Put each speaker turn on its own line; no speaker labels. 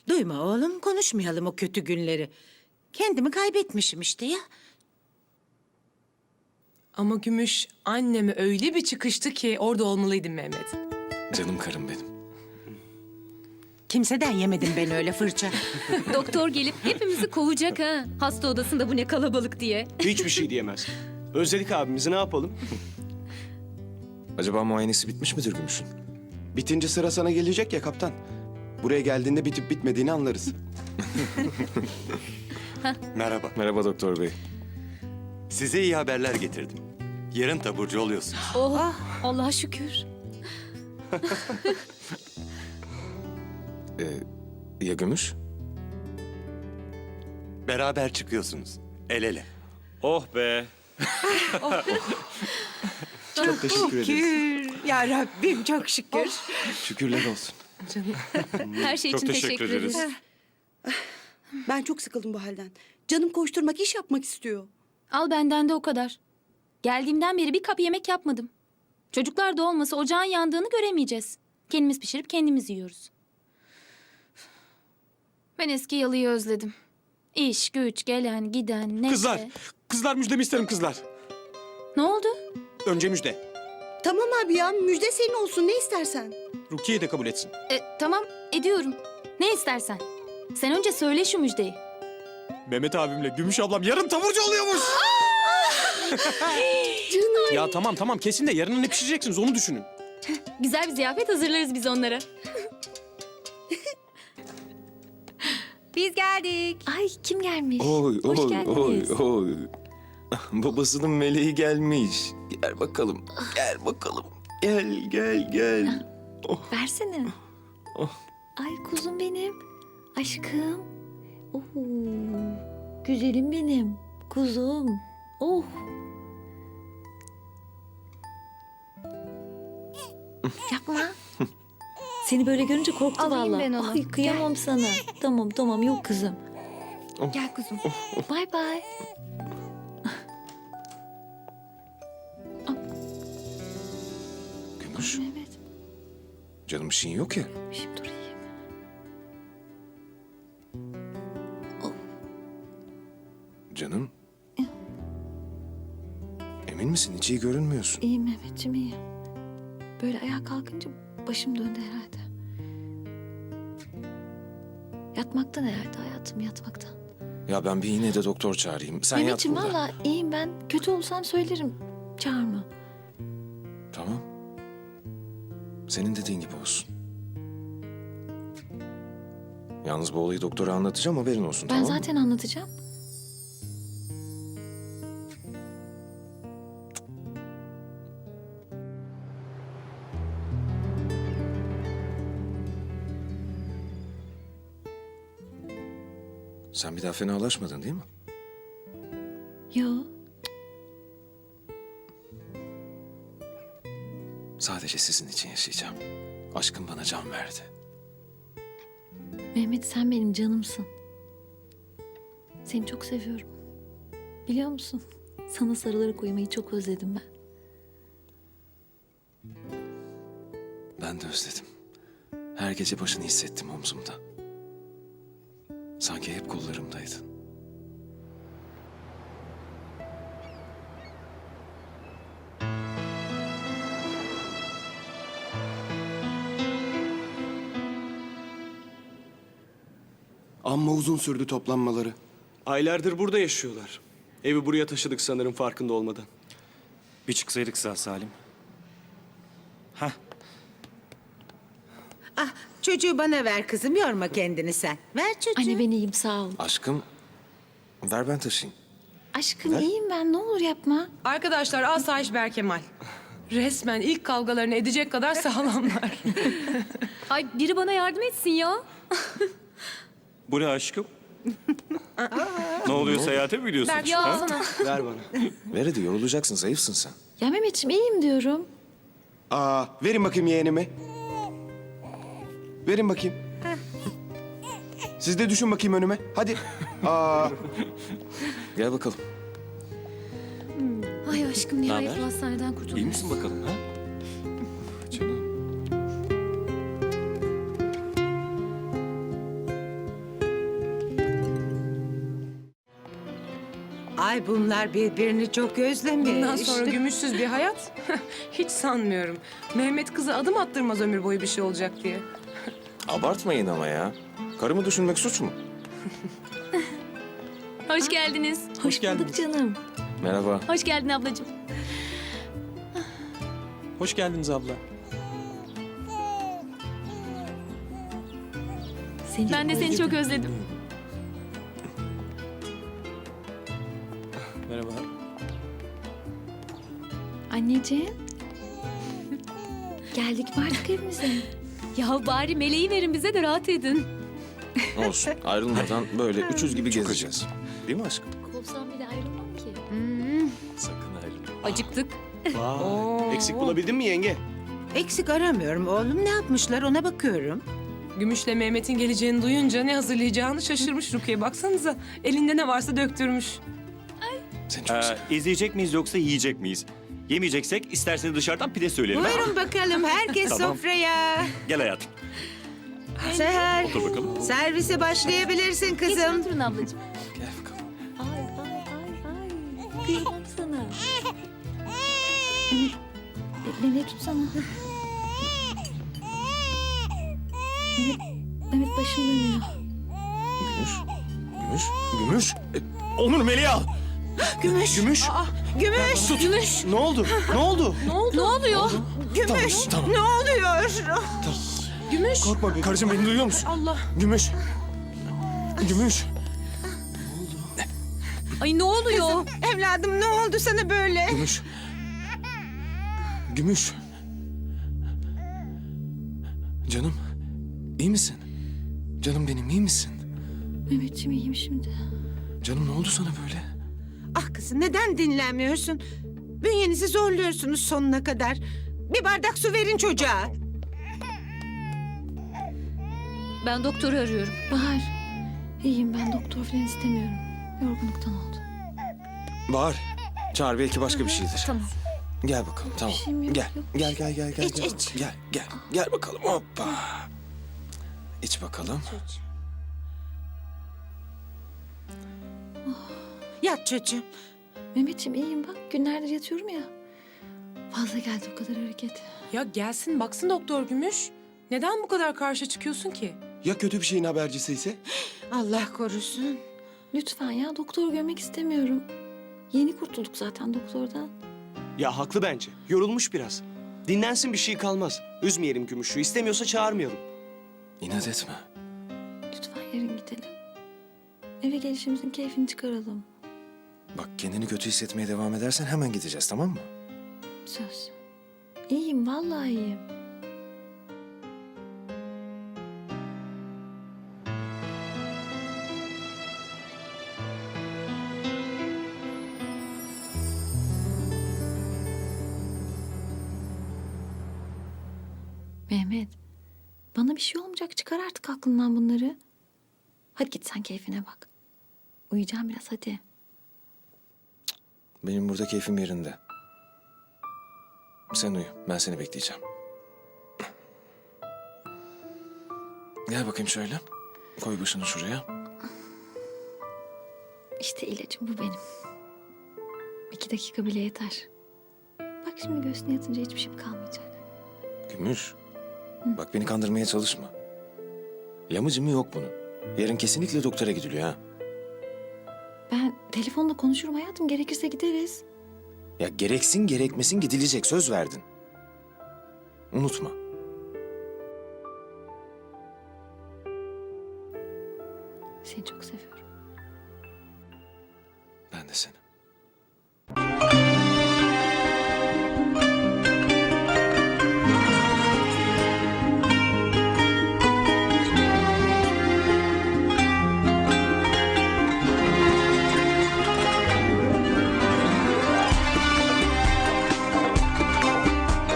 Duyma oğlum, konuşmayalım o kötü günleri. Kendimi kaybetmişim işte ya.
Ama Gümüş anneme öyle bir çıkıştı ki orada olmalıydın Mehmet.
Canım karım benim.
Kimseden yemedim ben öyle fırça.
Doktor gelip hepimizi kovacak ha. Hasta odasında bu ne kalabalık diye.
Hiçbir şey diyemez. Özledik abimizi, ne yapalım?
Acaba muayenesi bitmiş midir Gümüş'ün?
Bitince sıra sana gelecek ya kaptan. Buraya geldiğinde bitip bitmediğini anlarız.
Merhaba.
Merhaba doktor bey.
Size iyi haberler getirdim. Yarın taburcu oluyorsunuz.
Oh, Allah'a şükür.
Ya Gümüş?
Beraber çıkıyorsunuz. El ele.
Oh be.
Çok teşekkür ederiz.
Şükür. Ya Rabbim çok şükür.
Şükürler olsun.
Her şey için teşekkür ederiz.
Ben çok sıkıldım bu halden. Canım koşturmak, iş yapmak istiyor.
Al benden de o kadar. Geldiğimden beri bir kap yemek yapmadım. Çocuklar da olmasa ocağın yandığını göremeyeceğiz. Kendimiz pişirip kendimiz yiyoruz. Ben eski yalıyı özledim. İş, güç, gelen, giden, neşe.
Kızlar müjdemi isterim kızlar.
Ne oldu?
Önce müjde.
Tamam abi ya, müjde senin olsun, ne istersen.
Rukiye de kabul etsin.
Tamam, ediyorum. Ne istersen. Sen önce söyle şu müjdeyi.
Mehmet abimle Gümüş ablam yarın taburcu oluyormuş. Ya tamam kesin de yarın ne pişireceksiniz onu düşünün.
Güzel bir ziyafet hazırlarız biz onlara. Biz geldik. Ay kim gelmiş?
Oy
Hoş
oy
geldiniz.
oy. Babasının meleği gelmiş. Gel bakalım. Gel bakalım. Gel.
Versene.
Oh.
Ay kuzum benim. Aşkım. Oh. Güzelim benim. Kuzum. Oh. Yapma.
Seni böyle görünce korktu
Alayım
vallahi.
ben onu.
Ay kıyamam sana. Tamam yok kızım.
Gel kuzum. Bay bay.
Gümüş.
Evet.
Canım bir şeyin yok ya.
Şimdi dur iyiyim.
Canım. Emin misin? Hiç iyi görünmüyorsun.
İyiyim Mehmetciğim iyiyim. Böyle ayağa kalkınca başım döndü herhalde. Yatmaktan herhalde hayatım yatmaktan.
Ya ben bir yine de doktor çağırayım. Sen yat
Mehmetciğim
burada.
valla iyiyim ben. Kötü olsam söylerim. Çağırma.
Tamam. Senin dediğin gibi olsun. Yalnız bu olayı doktora anlatacağım, haberin olsun,
Ben
tamam mı?
zaten anlatacağım.
Sen bir daha fenalaşmadın değil mi?
Yo.
Sadece sizin için yaşayacağım. Aşkım bana can verdi.
Mehmet sen benim canımsın. Seni çok seviyorum. Biliyor musun?
Sana sarılarak uyumayı çok özledim ben.
Ben de özledim. Her gece başını hissettim omzumda. Sanki hep kollarımdaydın.
Amma uzun sürdü toplanmaları.
Aylardır burada yaşıyorlar. Evi buraya taşıdık sanırım farkında olmadan.
Bir çıksaydık sağ salim.
Ah, çocuğu bana ver kızım, yorma kendini sen. Ver çocuğu.
Anne ben iyiyim sağ ol.
Aşkım, ver ben taşıyayım.
Aşkım iyiyim ben ne olur yapma.
Arkadaşlar asayiş Berkemal. Resmen ilk kavgalarını edecek kadar sağlamlar.
Ay biri bana yardım etsin ya.
Bu ne aşkım? Ne oluyor, seyahate mi gidiyorsun?
Berk ya alsana.
Ver bana.
Ver hadi, yorulacaksın, zayıfsın sen.
Ya Mehmetciğim iyiyim diyorum.
Verin bakayım yeğenimi. Verin bakayım. Siz de düşün bakayım önüme. Hadi.
Gel bakalım.
Ay aşkım nihayet
Naber?
bu hastaneden kurtuldum.
İyi misin bakalım ha?
Canım.
Ay bunlar birbirini çok özlemiş.
Bundan sonra gümüşsüz bir hayat hiç sanmıyorum. Mehmet kıza adım attırmaz ömür boyu bir şey olacak diye.
Abartmayın ama ya. Karımı düşünmek suç mu?
Hoş geldiniz.
Hoş bulduk canım.
Merhaba.
Hoş geldin ablacığım.
Hoş geldiniz abla.
Ben de seni çok özledim.
Merhaba.
Anneciğim. Geldik mi artık evimize?
Ya bari meleği verin bize de rahat edin.
Olsun. Ayrılmadan böyle 300 gibi gezeceğiz. Değil mi aşkım?
Kovsam bile ayrılmam ki.
Sakın ayrılma.
Acıktık.
Vay. Eksik bulabildin mi yenge?
Eksik aramıyorum oğlum. Ne yapmışlar ona bakıyorum.
Gümüş'le Mehmet'in geleceğini duyunca ne hazırlayacağını şaşırmış Rukiye. Baksanıza elinde ne varsa döktürmüş.
Seni çok seviyorum.
İzleyecek miyiz yoksa yiyecek miyiz? Yemeyeceksek isterseniz dışarıdan pide söyleyelim. ha?
Buyurun bakalım herkes
Tamam.
sofraya.
Gel hayatım.
Seher,
Otur bakalım.
servise başlayabilirsin
Geçin
kızım.
oturun ablacığım.
Gel bakalım.
Ay ay ay ay. Kıyamam sana. Mehmet tutsana. Mehmet başım dönüyor.
Gümüş. Gümüş. Gümüş. Onur Melih'i al.
Gümüş,
Gümüş.
gümüş, gümüş,
Ne oldu? Ne oldu?
Ne oluyor?
gümüş. Ne oluyor?
Gümüş.
Korkma be.
Karıcığım beni duyuyor musun?
Allah.
Gümüş. Gümüş.
Ay ne oluyor?
Evladım ne oldu sana böyle?
Gümüş. Gümüş. Canım. İyi misin? Canım benim iyi misin?
Mehmetciğim iyiyim şimdi.
Canım ne oldu sana böyle?
Ah kızım neden dinlenmiyorsun? Bünyenizi zorluyorsunuz sonuna kadar. Bir bardak su verin çocuğa.
Ben doktoru arıyorum.
Bahar. İyiyim ben doktor falan istemiyorum. Yorgunluktan oldu.
Bahar. Çağır belki başka bir şeydir.
Tamam.
Gel bakalım tamam.
şeyim yok,
Gel.
yok.
Gel gel gel gel.
İç,
gel.
iç.
Gel gel. Gel bakalım hoppa. İç bakalım.
Yat çocuğum.
Mehmetciğim iyiyim bak günlerdir yatıyorum ya. Fazla geldi o kadar hareket.
Ya gelsin baksın doktor Gümüş. Neden bu kadar karşı çıkıyorsun ki?
Ya kötü bir şeyin habercisi ise?
Allah korusun.
Lütfen ya doktor görmek istemiyorum. Yeni kurtulduk zaten doktordan.
Ya haklı bence. Yorulmuş biraz. Dinlensin bir şey kalmaz. Üzmeyelim Gümüş'ü. İstemiyorsa çağırmayalım.
İnat etme.
Lütfen yarın gidelim. Eve gelişimizin keyfini çıkaralım.
Bak kendini kötü hissetmeye devam edersen hemen gideceğiz tamam mı?
Söz. İyiyim vallahi iyiyim. Mehmet, bana bir şey olmayacak. Çıkar artık aklından bunları. Hadi git sen keyfine bak. Uyuyacağım biraz hadi.
Benim burada keyfim yerinde. Sen uyu. Ben seni bekleyeceğim. Gel bakayım şöyle. Koy başını şuraya.
İşte ilacım bu benim. 2 dakika bile yeter. Bak şimdi göğsüne yatınca hiçbir şeyim kalmayacak.
Gümüş. Bak beni kandırmaya çalışma. Yamıcı mı yok bunun. Yarın kesinlikle doktora gidiliyor ha.
Ben telefonla konuşurum hayatım. Gerekirse gideriz.
Ya gereksin gerekmesin gidilecek söz verdin. Unutma.
Seni çok seviyorum.
Ben de seni.